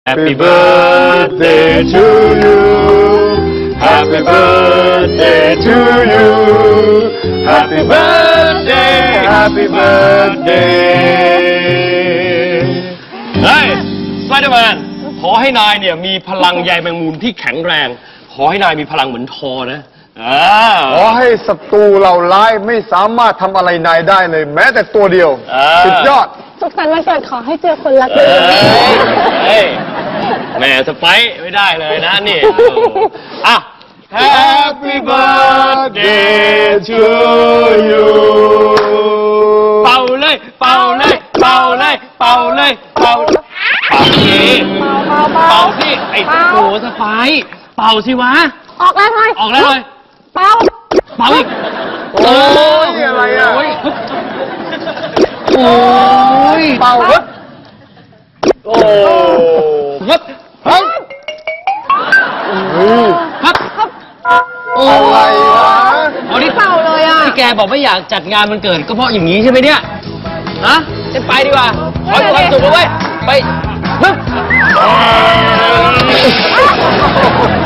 Happy birthday to you Happy birthday to you Happy birthday Happy birthday เฮ้ยสไปเดอร์แมนขอให้นายเนี่ยมีพลังใยแมงมุมที่แข็งแรงขอให้นายมีพลังเหมือนทอนะขอให้ศัตรูเราร้ายไม่สามารถทำอะไรนายได้เลยแม้แต่ตัวเดียวสุดยอดสุขสันต์วันเกิดขอให้เจอคนรักเลยแม่สไปไม่ได้เลยนะนี่อ่ะ Happy birthday to you เป่าเลยเป่าเลยเป่าเลยเป่าเลยเป่าสิเป่าสิไอ้โหสไปเป่าสิวะออกแล้วเลยออกแล้วเลยเป่าอีกโอ้ยอะไรอ่ะโอ้ยเป่าครับโอ้ครับอะไรวะอ๋อนี่เป่าเลยอ่ะที่แกบอกไม่อยากจัดงานวันเกิดก็เพราะอย่างนี้ใช่ไหมเนี่ยฮะจะไปดีกว่าขอความสุขด้วยไป